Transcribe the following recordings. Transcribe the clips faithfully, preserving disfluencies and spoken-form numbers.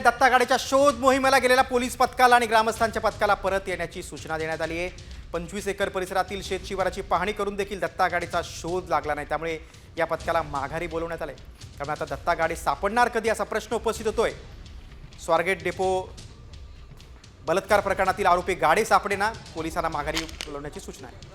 दत्ता गाडीच्या शोध मोहिमेला गेलेल्या पोलीस पथकाला आणि ग्रामस्थांच्या पथकाला परत येण्याची सूचना देण्यात आली आहे। पंचवीस एकर परिसरातील शेतशिवाराची पाहणी करून देखील दत्ता गाडीचा शोध लागला नाही, त्यामुळे या पथकाला माघारी बोलवण्यात आले। त्यामुळे आता दत्ता गाडी सापडणार कधी असा प्रश्न उपस्थित होतोय। स्वारगेट डेपो बलात्कार प्रकरणातील आरोपी गाडी सापडेना, पोलिसांना माघारी बोलवण्याची सूचना आहे।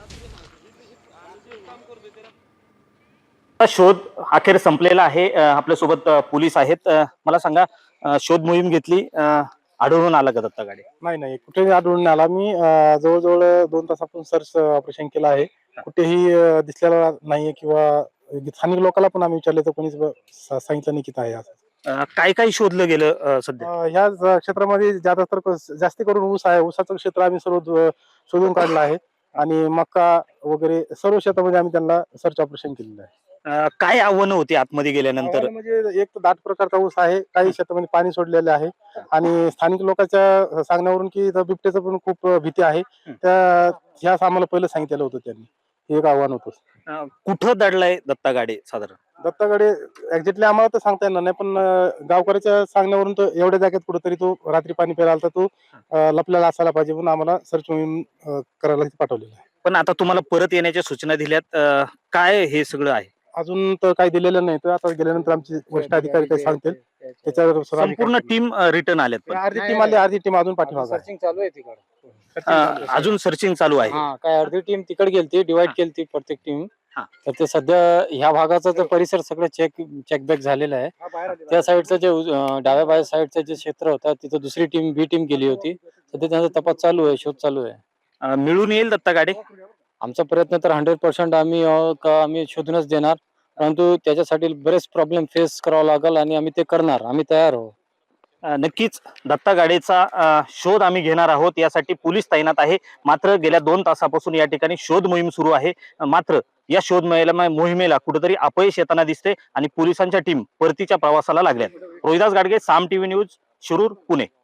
शोध अखेर संपलेला आहे। आपल्या सोबत पोलीस आहेत। मला सांगा, शोध मोहीम घेतली, आढळून आला का दत्ता गाडी? नाही नाही कुठेही आढळून आला। मी जवळजवळ दोन तासापासून सर्च ऑपरेशन केलं आहे, कुठेही दिसलेला नाहीये किंवा स्थानिक लोकांना पण आम्ही विचारले तर कोणीच सांगितलं नाही की काय असं। काय काय शोधलं गेलं सध्या? ह्या क्षेत्रामध्ये ज्यादा तर जास्ती करून ऊस आहे, ऊसाचं क्षेत्र आम्ही सर्व शोधून काढलं आहे आणि मका वगैरे सर्व क्षेत्रामध्ये आम्ही त्यांना सर्च ऑपरेशन केलेलं आहे। काय आव्हानं होती आतमध्ये गेल्यानंतर? म्हणजे एक दाट प्रकारचा ऊस आहे, काही शेतामध्ये पाणी सोडलेले आहे आणि स्थानिक लोकांच्या सांगण्यावरून की बिबट्याचं पण खूप भीती आहे, त्या ह्याच आम्हाला पहिलं सांगितलेलं होतं त्यांनी। हे एक आव्हान होतं। कुठं दडलाय दत्ता गाडी साधारण? दत्ता गाडी एक्झॅक्टली आम्हाला तर सांगता येणार नाही, पण गावकऱ्याच्या सांगण्यावरून तो एवढ्या जागेत कुठेतरी तो रात्री पाणी प्यायला आला, तो लपलेला असायला पाहिजे, म्हणून आम्हाला सर्च मोहीम करायला पाठवलेलं आहे। पण आता तुम्हाला परत येण्याच्या सूचना दिल्यात, काय हे सगळं आहे? अजून तर काही दिलेलं नाही, तर आता गेल्यानंतर आमचे वरिष्ठ अधिकारी काही सांगतील त्याच्यावर संपूर्ण टीम रिटर्न आल्यात। अर्धी टीम आली, अर्धी टीम अजून पाठीमागे सर्चिंग चालू आहे तिकडे, अजून सर्चिंग चालू आहे। हा काय अर्धी टीम तिकडे गेलती, डिवाइड केलती प्रत्येक टीम। हा. तर ते सध्या ह्या भागाचा जो परिसर सगळं चेक चेकबॅक झालेला आहे। त्या साईडचं जे डाव्या बाजू साईडचं जे क्षेत्र होतं तिथं दुसरी टीम बी टीम गेली होती, सध्या त्यांचा तपास चालू आहे, शोध चालू आहे। मिळून येईल दत्ता गाडी? आमचा प्रयत्न तर हंड्रेड पर्सेंट आम्ही आम्ही शोधूनच देणार, परंतु त्याच्यासाठी बरेच प्रॉब्लेम फेस करावा लागेल आणि आम्ही ते करणार, आम्ही तयार आहोत। नक्कीच दत्ता गाडीचा शोध आम्ही घेणार आहोत, यासाठी पोलीस तैनात आहे। मात्र गेल्या दोन तासापासून या ठिकाणी शोध मोहीम सुरू आहे। मात्र या शोध मोहिमेला कुठेतरी अपयश येताना दिसते आणि पोलिसांच्या टीम परतीच्या प्रवासाला लागल्यात। Rohidas Gadge, Saam TV news, Shirur, Pune.